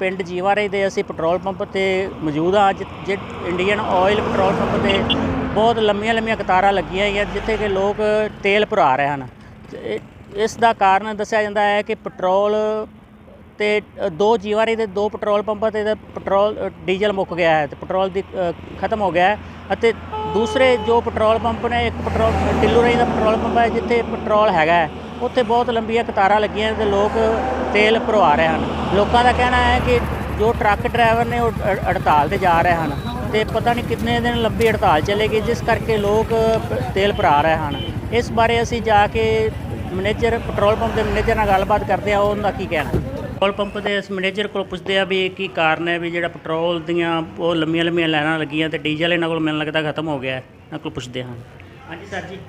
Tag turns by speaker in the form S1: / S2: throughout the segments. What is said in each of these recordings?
S1: ਪਿੰਡ ਜੀਵਾਰੇ ਦੇ ਅਸੀਂ ਪੈਟਰੋਲ ਪੰਪ ਤੇ ਮੌਜੂਦ ਹਾਂ। ਅੱਜ ਇੰਡੀਅਨ ਆਇਲ ਪੈਟਰੋਲ ਪੰਪ ਤੇ ਬਹੁਤ ਲੰਮੀਆਂ ਕਤਾਰਾਂ ਲੱਗੀਆਂ ਹੋਈਆਂ ਜਿੱਥੇ ਕਿ ਲੋਕ ਤੇਲ ਭਰਾ ਰਹੇ ਹਨ। ਇਸ ਦਾ ਕਾਰਨ ਦੱਸਿਆ ਜਾਂਦਾ ਹੈ ਕਿ ਪੈਟਰੋਲ ਤੇ ਦੋ ਜੀਵਾਰੇ ਦੇ ਦੋ ਪੈਟਰੋਲ ਪੰਪਾਂ ਤੇ ਪੈਟਰੋਲ ਡੀਜ਼ਲ ਮੁੱਕ ਗਿਆ ਹੈ ਤੇ ਪੈਟਰੋਲ ਦੀ ਖਤਮ ਹੋ ਗਿਆ ਹੈ। ਅਤੇ ਦੂਸਰੇ ਜੋ ਪੈਟਰੋਲ ਪੰਪ ਨੇ, ਇੱਕ ਪੈਟਰੋਲ ਢਿੱਲੂ ਰਾਹੀਂ ਦਾ ਪੈਟਰੋਲ ਪੰਪ ਹੈ ਜਿੱਥੇ ਪੈਟਰੋਲ ਹੈਗਾ ਹੈ, ਉੱਥੇ ਬਹੁਤ ਲੰਬੀਆਂ ਕਤਾਰਾਂ ਲੱਗੀਆਂ ਤੇ ਲੋਕ ਤੇਲ ਭਰਵਾ ਰਹੇ ਹਨ। ਲੋਕਾਂ ਦਾ ਕਹਿਣਾ ਹੈ ਕਿ ਜੋ ਟਰੱਕ ਡਰਾਈਵਰ ਨੇ ਉਹ ਹੜਤਾਲ 'ਤੇ ਜਾ ਰਹੇ ਹਨ ਅਤੇ ਪਤਾ ਨਹੀਂ ਕਿੰਨੇ ਦਿਨ ਲੰਬੀ ਹੜਤਾਲ ਚੱਲੇਗੀ, ਜਿਸ ਕਰਕੇ ਲੋਕ ਤੇਲ ਭਰਾ ਰਹੇ ਹਨ। ਇਸ ਬਾਰੇ ਅਸੀਂ ਜਾ ਕੇ ਪੈਟਰੋਲ ਪੰਪ ਦੇ ਮੈਨੇਜਰ ਨਾਲ ਗੱਲਬਾਤ ਕਰਦੇ ਹਾਂ, ਉਹਨਾਂ ਦਾ ਕੀ ਕਹਿਣਾ। ਪੈਟਰੋਲ ਪੰਪ ਦੇ ਇਸ ਮੈਨੇਜਰ ਕੋਲ ਪੁੱਛਦੇ ਆ ਵੀ ਕੀ ਕਾਰਨ ਹੈ ਵੀ ਜਿਹੜਾ ਪੈਟਰੋਲ ਦੀਆਂ ਉਹ ਲੰਮੀਆਂ ਲਾਈਨਾਂ ਲੱਗੀਆਂ ਤੇ ਡੀਜ਼ਲ ਇਹਨਾਂ ਕੋਲ ਮੈਨੂੰ ਲੱਗਦਾ ਖਤਮ ਹੋ ਗਿਆ ਹੈ। ਇਹਨਾਂ ਕੋਲ ਪੁੱਛਦੇ ਹਾਂ। ਹਾਂਜੀ ਸਰ ਜੀ।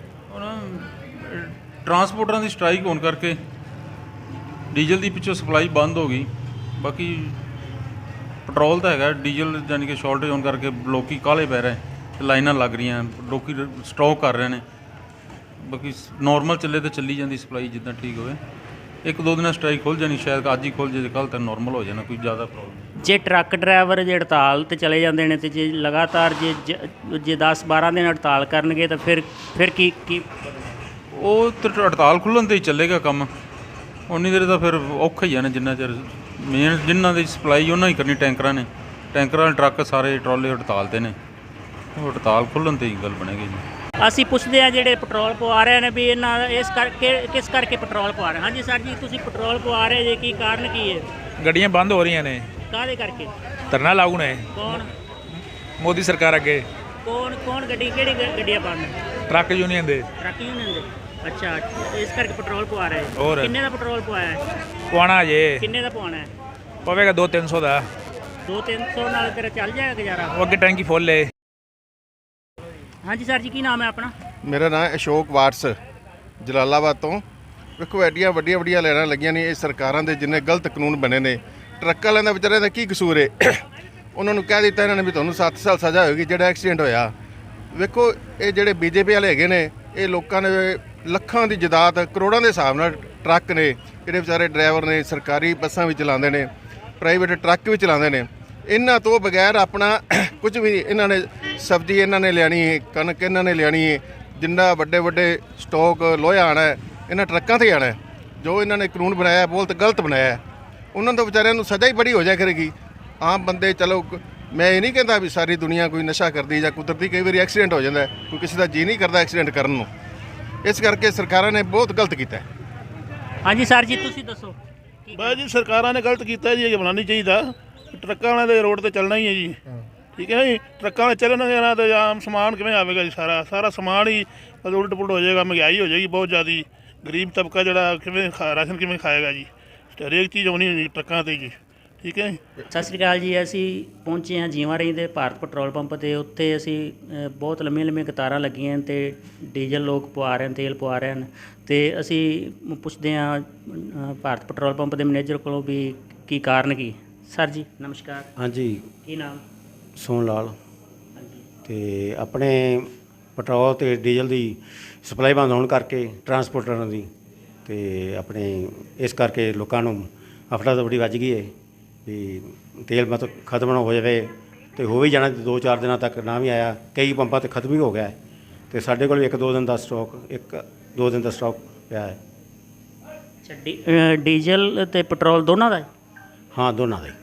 S2: ਹੁਣ ਟਰਾਂਸਪੋਰਟਰਾਂ ਦੀ ਸਟ੍ਰਾਈਕ ਹੋਣ ਕਰਕੇ ਡੀਜ਼ਲ ਦੀ ਪਿੱਛੋਂ ਸਪਲਾਈ ਬੰਦ ਹੋ ਗਈ। ਬਾਕੀ ਪੈਟਰੋਲ ਤਾਂ ਹੈਗਾ, ਡੀਜ਼ਲ ਯਾਨੀ ਕਿ ਸ਼ਾਰਟੇਜ ਹੋਣ ਕਰਕੇ ਲੋਕੀ ਕਾਹਲੇ ਪੈ ਰਹੇ ਤੇ ਲਾਈਨਾਂ ਲੱਗ ਰਹੀਆਂ, ਲੋਕੀ ਸਟਾਕ ਕਰ ਰਹੇ ਨੇ। ਬਾਕੀ ਨੋਰਮਲ ਚੱਲੇ ਤਾਂ ਚੱਲੀ ਜਾਂਦੀ ਸਪਲਾਈ ਜਿੱਦਾਂ ਠੀਕ ਹੋਵੇ। ਇੱਕ ਦੋ ਦਿਨਾਂ ਸਟ੍ਰਾਈਕ ਖੁੱਲ੍ਹ ਜਾਣੀ, ਸ਼ਾਇਦ ਅੱਜ ਹੀ ਖੁੱਲ੍ਹ ਜੇ, ਕੱਲ੍ਹ ਤੱਕ ਨੋਰਮਲ ਹੋ ਜਾਣਾ, ਕੋਈ ਜ਼ਿਆਦਾ ਪ੍ਰੋਬਲਮ।
S1: ਜੇ ਟਰੱਕ ਡਰਾਈਵਰ ਜੇ ਹੜਤਾਲ 'ਤੇ ਚਲੇ ਜਾਂਦੇ ਨੇ ਅਤੇ ਜੇ ਲਗਾਤਾਰ ਜੇ 10-12 ਦਿਨ ਹੜਤਾਲ ਕਰਨਗੇ ਤਾਂ ਫਿਰ ਕੀ
S2: ਉਹ ਤਾਂ ਹੜਤਾਲ ਖੁੱਲ੍ਹਣ 'ਤੇ ਹੀ ਚੱਲੇਗਾ ਕੰਮ। ਉਨੀ ਦੇਰ ਤਾਂ ਫਿਰ ਔਖਾ ਹੀ ਆ ਨਾ, ਜਿੰਨਾ ਚਿਰ ਮੇਨ ਜਿਨ੍ਹਾਂ ਦੀ ਸਪਲਾਈ ਉਹਨਾਂ ਹੀ ਕਰਨੀ ਟੈਂਕਰਾਂ ਨੇ। ਟੈਂਕਰਾਂ ਵਾਲੇ ਟਰੱਕ ਸਾਰੇ ਟਰਾਲੇ ਹੜਤਾਲ 'ਤੇ ਨੇ, ਉਹ ਹੜਤਾਲ ਖੁੱਲ੍ਹਣ 'ਤੇ ਹੀ ਗੱਲ ਬਣੇਗੀ ਜੀ।
S1: ਅਸੀਂ ਪੁੱਛਦੇ ਹਾਂ ਜਿਹੜੇ ਪੈਟਰੋਲ ਪਵਾ ਰਹੇ ਨੇ ਵੀ ਇਹਨਾਂ ਕਿਸ ਕਰਕੇ ਪੈਟਰੋਲ ਪਵਾ ਰਹੇ। ਹਾਂਜੀ ਸਰ ਜੀ, ਤੁਸੀਂ ਪੈਟਰੋਲ ਪਵਾ ਰਹੇ ਜੇ, ਕੀ ਕਾਰਨ ਕੀ ਹੈ?
S3: ਗੱਡੀਆਂ ਬੰਦ ਹੋ ਰਹੀਆਂ ਨੇ।
S1: ਕਾਹਦੇ ਕਰਕੇ?
S3: ਧਰਨਾ ਲਾਗੂ ਨੇ।
S1: ਕੌਣ?
S3: ਮੋਦੀ ਸਰਕਾਰ ਅੱਗੇ।
S1: ਕੌਣ ਕਿਹੜੀ ਗੱਡੀਆਂ ਬੰਦ?
S3: ਟਰੱਕ ਯੂਨੀਅਨ ਦੇ।
S1: ਟਰੱਕ ਯੂਨੀਅਨ ਦੇ। ਅੱਛਾ, ਇਸ ਕਰਕੇ ਪੈਟਰੋਲ ਪਵਾ ਰਹੇ।
S3: ਹੋਰ
S1: ਕਿੰਨੇ ਦਾ ਪੈਟਰੋਲ ਪਵਾਇਆ ਹੈ?
S3: ਪਵਾਉਣਾ ਜੇ।
S1: ਕਿੰਨੇ ਦਾ ਪਵਾਉਣਾ ਹੈ?
S3: ਪਵੇਗਾ 200-300 ਦਾ।
S1: 200-300 ਨਾਲ ਤੇਰਾ ਚੱਲ ਜਾਏਗਾ ਗੁਜ਼ਾਰਾ?
S3: ਉਹ ਅੱਗੇ ਟੈਂਕੀ ਫੁੱਲ ਏ।
S1: ਹਾਂਜੀ ਸਰ ਜੀ, ਕੀ ਨਾਮ ਹੈ ਆਪਣਾ?
S4: ਮੇਰਾ ਨਾਮ ਅਸ਼ੋਕ ਵਾਟਸ, ਜਲਾਲਾਬਾਦ ਤੋਂ। ਵੇਖੋ ਐਡੀਆਂ ਵੱਡੀਆਂ ਲਾਈਨਾਂ ਲੱਗੀਆਂ ਨੇ, ਇਹ ਸਰਕਾਰਾਂ ਦੇ ਜਿੰਨੇ ਗਲਤ ਕਾਨੂੰਨ ਬਣੇ ਨੇ। ਟਰੱਕ ਵਾਲਿਆਂ ਦਾ ਵਿਚਾਰਿਆਂ ਦਾ ਕੀ ਕਸੂਰ ਹੈ? ਉਹਨਾਂ ਨੂੰ ਕਹਿ ਦਿੱਤਾ ਇਹਨਾਂ ਨੇ ਵੀ ਤੁਹਾਨੂੰ 7 ਸਾਲ ਸਜ਼ਾ ਹੋਏਗੀ ਜਿਹੜਾ ਐਕਸੀਡੈਂਟ ਹੋਇਆ। ਵੇਖੋ ਇਹ ਜਿਹੜੇ ਬੀਜੇਪੀ ਵਾਲੇ ਹੈਗੇ ਨੇ, ਇਹ ਲੋਕਾਂ ਨੇ ਲੱਖਾਂ ਦੀ ਜਾਇਦਾਦ, ਕਰੋੜਾਂ ਦੇ ਹਿਸਾਬ ਨਾਲ ਟਰੱਕ ਨੇ, ਜਿਹੜੇ ਵਿਚਾਰੇ ਡਰਾਈਵਰ ਨੇ, ਸਰਕਾਰੀ ਬੱਸਾਂ ਵੀ ਚਲਾਉਂਦੇ ਨੇ, ਪ੍ਰਾਈਵੇਟ ਟਰੱਕ ਵੀ ਚਲਾਉਂਦੇ ਨੇ। ਇਹਨਾਂ ਤੋਂ ਬਗੈਰ ਆਪਣਾ ਕੁਝ ਵੀ ਇਹਨਾਂ ਨੇ, ਸਬਜ਼ੀ ਇਹਨਾਂ ਨੇ ਲਿਆਣੀ ਹੈ, ਕਣਕ ਇਹਨਾਂ ਨੇ ਲਿਆਣੀ ਹੈ, ਜਿੰਨਾ ਵੱਡੇ ਸਟਾਕ ਲੋਹਾ ਆਉਣਾ ਹੈ ਇਹਨਾਂ ਟਰੱਕਾਂ 'ਤੇ ਆਉਣਾ ਹੈ। ਜੋ ਇਹਨਾਂ ਨੇ ਕਾਨੂੰਨ ਬਣਾਇਆ ਬਹੁਤ ਗਲਤ ਬਣਾਇਆ। ਉਹਨਾਂ ਤੋਂ ਵਿਚਾਰਿਆਂ ਨੂੰ ਸਜ਼ਾ ਹੀ ਬੜੀ ਹੋ ਜਾਇਆ ਕਰੇਗੀ। ਆਮ ਬੰਦੇ, ਚਲੋ ਮੈਂ ਇਹ ਨਹੀਂ ਕਹਿੰਦਾ ਵੀ ਸਾਰੀ ਦੁਨੀਆ ਕੋਈ ਨਸ਼ਾ ਕਰਦੀ ਜਾਂ ਕੁਦਰਤੀ ਕਈ ਵਾਰੀ ਐਕਸੀਡੈਂਟ ਹੋ ਜਾਂਦਾ, ਕੋਈ ਕਿਸੇ ਦਾ ਜੀਅ ਨਹੀਂ ਕਰਦਾ ਐਕਸੀਡੈਂਟ ਕਰਨ ਨੂੰ। ਇਸ ਕਰਕੇ ਸਰਕਾਰਾਂ ਨੇ ਬਹੁਤ ਗਲਤ ਕੀਤਾ।
S1: ਹਾਂਜੀ ਸਰ ਜੀ, ਤੁਸੀਂ ਦੱਸੋ।
S5: ਬਸ ਜੀ, ਸਰਕਾਰਾਂ ਨੇ ਗਲਤ ਕੀਤਾ ਜੀ, ਇਹ ਬਣਾਉਣਾ ਨਹੀਂ ਚਾਹੀਦਾ। ਟਰੱਕਾਂ ਵਾਲਿਆਂ ਦੇ ਰੋਡ 'ਤੇ ਚੱਲਣਾ ਹੀ ਹੈ ਜੀ, ਠੀਕ ਹੈ ਜੀ। ਟਰੱਕਾਂ ਵਾਲੇ ਚੱਲਣਗੇ ਨਾ ਤਾਂ ਆਮ ਸਮਾਨ ਕਿਵੇਂ ਆਵੇਗਾ ਜੀ? ਸਾਰਾ ਸਮਾਨ ਹੀ ਉਲਟ ਪੁਲਟ ਹੋ ਜਾਏਗਾ, ਮਹਿੰਗਾਈ ਹੋ ਜਾਏਗੀ ਬਹੁਤ ਜ਼ਿਆਦਾ। ਗਰੀਬ ਤਬਕਾ ਜਿਹੜਾ ਕਿਵੇਂ ਰਾਸ਼ਨ ਕਿਵੇਂ ਖਾਏਗਾ ਜੀ? ਹਰੇਕ ਚੀਜ਼ ਆਉਣੀ ਹੁੰਦੀ ਟਰੱਕਾਂ 'ਤੇ ਜੀ, ਠੀਕ ਹੈ ਜੀ।
S1: ਸਤਿ ਸ਼੍ਰੀ ਅਕਾਲ ਜੀ। ਅਸੀਂ ਪਹੁੰਚੇ ਹਾਂ ਜੀਵਾਰੀ ਦੇ ਭਾਰਤ ਪੈਟਰੋਲ ਪੰਪ 'ਤੇ। ਉੱਥੇ ਅਸੀਂ ਬਹੁਤ ਲੰਮੀਆਂ ਕਤਾਰਾਂ ਲੱਗੀਆਂ ਅਤੇ ਡੀਜ਼ਲ ਲੋਕ ਪਵਾ ਰਹੇ ਹਨ, ਤੇਲ ਪਵਾ ਰਹੇ ਹਨ। ਅਤੇ ਅਸੀਂ ਪੁੱਛਦੇ ਹਾਂ ਭਾਰਤ ਪੈਟਰੋਲ ਪੰਪ ਦੇ ਮੈਨੇਜਰ ਕੋਲੋਂ ਵੀ ਕੀ ਕਾਰਨ ਕੀ। ਸਰ ਜੀ ਨਮਸਕਾਰ।
S6: ਹਾਂਜੀ,
S1: ਕੀ ਨਾਮ?
S6: ਸੋਹਣ ਲਾਲ।
S1: ਹਾਂਜੀ।
S6: ਅਤੇ ਆਪਣੇ ਪੈਟਰੋਲ ਅਤੇ ਡੀਜ਼ਲ ਦੀ ਸਪਲਾਈ ਬੰਦ ਹੋਣ ਕਰਕੇ ਟਰਾਂਸਪੋਰਟਰਾਂ ਦੀ, ਅਤੇ ਆਪਣੇ ਇਸ ਕਰਕੇ ਲੋਕਾਂ ਨੂੰ ਹਫੜਾ ਦਫੜੀ ਵੱਜ ਗਈ ਹੈ ਵੀ ਤੇਲ ਮਤਲਬ ਖਤਮ ਨਾ ਹੋ ਜਾਵੇ। ਅਤੇ ਹੋ ਵੀ ਜਾਣਾ 2-4 ਦਿਨਾਂ ਤੱਕ, ਨਾ ਵੀ ਆਇਆ। ਕਈ ਪੰਪਾਂ 'ਤੇ ਖਤਮ ਹੀ ਹੋ ਗਿਆ ਅਤੇ ਸਾਡੇ ਕੋਲ 1-2 ਦਿਨ ਦਾ ਸਟਾਕ ਪਿਆ ਹੈ।
S1: ਅੱਛਾ, ਡੀਜ਼ਲ ਅਤੇ ਪੈਟਰੋਲ ਦੋਨਾਂ ਦਾ?
S6: ਹਾਂ, ਦੋਨਾਂ ਦਾ ਹੀ।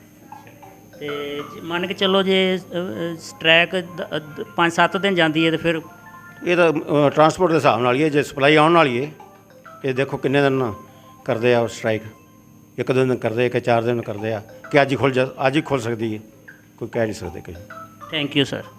S1: ਅਤੇ ਮੰਨ ਕੇ ਚੱਲੋ ਜੇ ਸਟ੍ਰੈਕ 5-7 ਦਿਨ ਜਾਂਦੀ ਹੈ ਤਾਂ ਫਿਰ?
S6: ਇਹ ਤਾਂ ਟਰਾਂਸਪੋਰਟ ਦੇ ਹਿਸਾਬ ਨਾਲ ਹੀ ਹੈ। ਜੇ ਸਪਲਾਈ ਆਉਣ ਵਾਲੀ ਹੈ, ਇਹ ਦੇਖੋ ਕਿੰਨੇ ਦਿਨ ਕਰਦੇ ਆ ਸਟ੍ਰਾਈਕ। 1-2 ਦਿਨ ਕਰਦੇ, ਕਿ 4 ਦਿਨ ਕਰਦੇ ਆ, ਕਿ ਅੱਜ ਹੀ ਖੁੱਲ੍ਹ ਸਕਦੀ ਹੈ, ਕੋਈ ਕਹਿ ਨਹੀਂ ਸਕਦੇ ਕਈ।
S1: Thank you sir.